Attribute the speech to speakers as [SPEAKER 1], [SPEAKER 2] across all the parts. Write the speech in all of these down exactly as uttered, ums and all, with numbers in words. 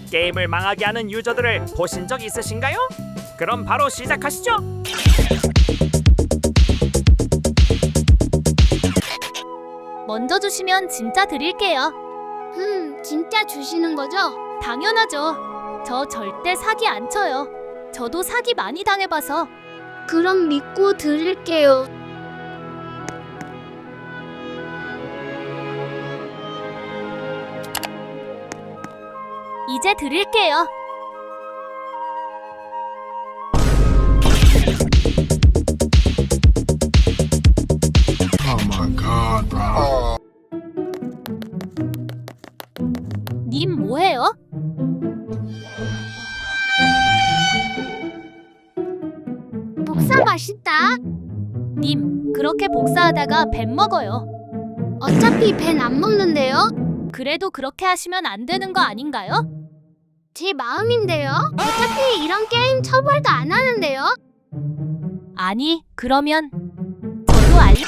[SPEAKER 1] 게임을 망하게 하는 유저들을 보신 적 있으신가요? 그럼 바로 시작하시죠.
[SPEAKER 2] 먼저 주시면 진짜 드릴게요.
[SPEAKER 3] 흠, 진짜 주시는 거죠?
[SPEAKER 2] 당연하죠. 저 절대 사기 안 쳐요. 저도 사기 많이 당해봐서.
[SPEAKER 3] 그럼 믿고 드릴게요.
[SPEAKER 2] 이제 드릴게요.
[SPEAKER 4] Oh my god, bro.
[SPEAKER 2] 님 뭐해요?
[SPEAKER 3] 복사 맛있다.
[SPEAKER 2] 님 그렇게 복사하다가 뱀 먹어요.
[SPEAKER 3] 어차피 벤 안 먹는데요?
[SPEAKER 2] 그래도 그렇게 하시면 안 되는 거 아닌가요?
[SPEAKER 3] 제 마음인데요? 어차피 이런 게임 처벌도 안 하는데요?
[SPEAKER 2] 아니 그러면 저도 알...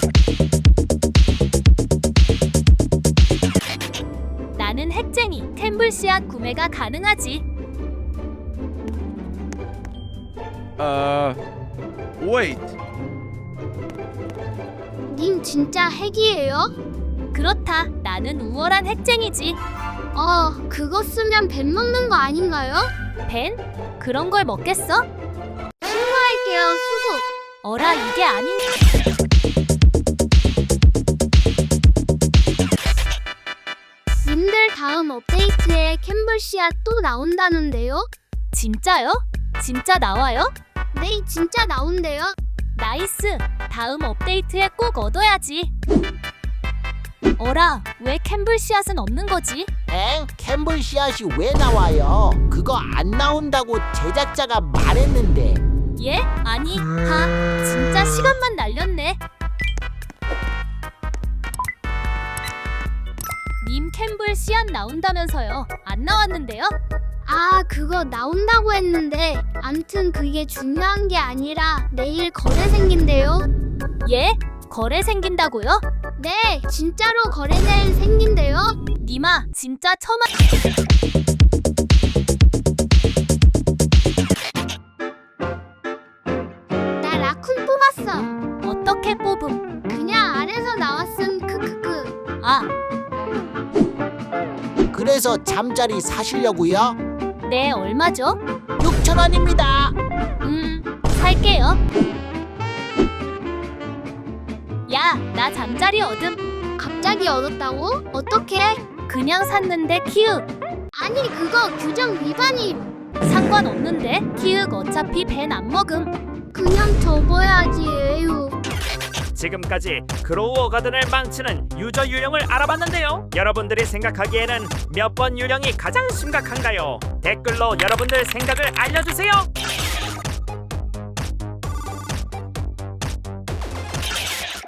[SPEAKER 2] 나는 핵쟁이. 템블 씨앗 구매가 가능하지.
[SPEAKER 5] Uh, wait.
[SPEAKER 3] 님 진짜 핵이에요?
[SPEAKER 2] 그렇다. 나는 우월한 핵쟁이지.
[SPEAKER 3] 어, 그거 쓰면 벤 먹는 거 아닌가요?
[SPEAKER 2] 벤? 그런 걸 먹겠어?
[SPEAKER 3] 신고할게요, 수고.
[SPEAKER 2] 어라 이게 아닌...
[SPEAKER 3] 님들 다음 업데이트에 캠블 씨앗 또 나온다는데요?
[SPEAKER 2] 진짜요? 진짜 나와요?
[SPEAKER 3] 네, 진짜 나온대요.
[SPEAKER 2] 나이스! 다음 업데이트에 꼭 얻어야지. 어라, 왜 캠블 씨앗은 없는 거지?
[SPEAKER 6] 엥? 캠블 씨앗이 왜 나와요? 그거 안 나온다고 제작자가 말했는데.
[SPEAKER 2] 예? 아니, 하, 진짜 시간만 날렸네. 님 캠블 씨앗 나온다면서요. 안 나왔는데요?
[SPEAKER 3] 아, 그거 나온다고 했는데 암튼 그게 중요한 게 아니라 내일 거래 생긴대요.
[SPEAKER 2] 예? 거래 생긴다고요?
[SPEAKER 3] 네, 진짜로 거래 내일 생긴대요.
[SPEAKER 2] 님아, 진짜 처마...
[SPEAKER 3] 나 라쿤 뽑았어.
[SPEAKER 2] 어떻게 뽑음?
[SPEAKER 3] 그냥 아래서 나왔음. 크크크.
[SPEAKER 2] 아,
[SPEAKER 6] 그래서 잠자리 사시려고요?
[SPEAKER 2] 네, 얼마죠?
[SPEAKER 6] 육천 원입니다.
[SPEAKER 2] 음, 살게요. 야, 나 잠자리 얻음.
[SPEAKER 3] 갑자기 얻었다고? 어떻게?
[SPEAKER 2] 그냥 샀는데 키읔.
[SPEAKER 3] 아니, 그거 규정 위반임.
[SPEAKER 2] 상관없는데 키읔 어차피 벤 안 먹음.
[SPEAKER 3] 그냥 접어야지, 에휴.
[SPEAKER 1] 지금까지 그로우 가든을 망치는 유저 유형을 알아봤는데요. 여러분들이 생각하기에는 몇 번 유형이 가장 심각한가요? 댓글로 여러분들 생각을 알려주세요.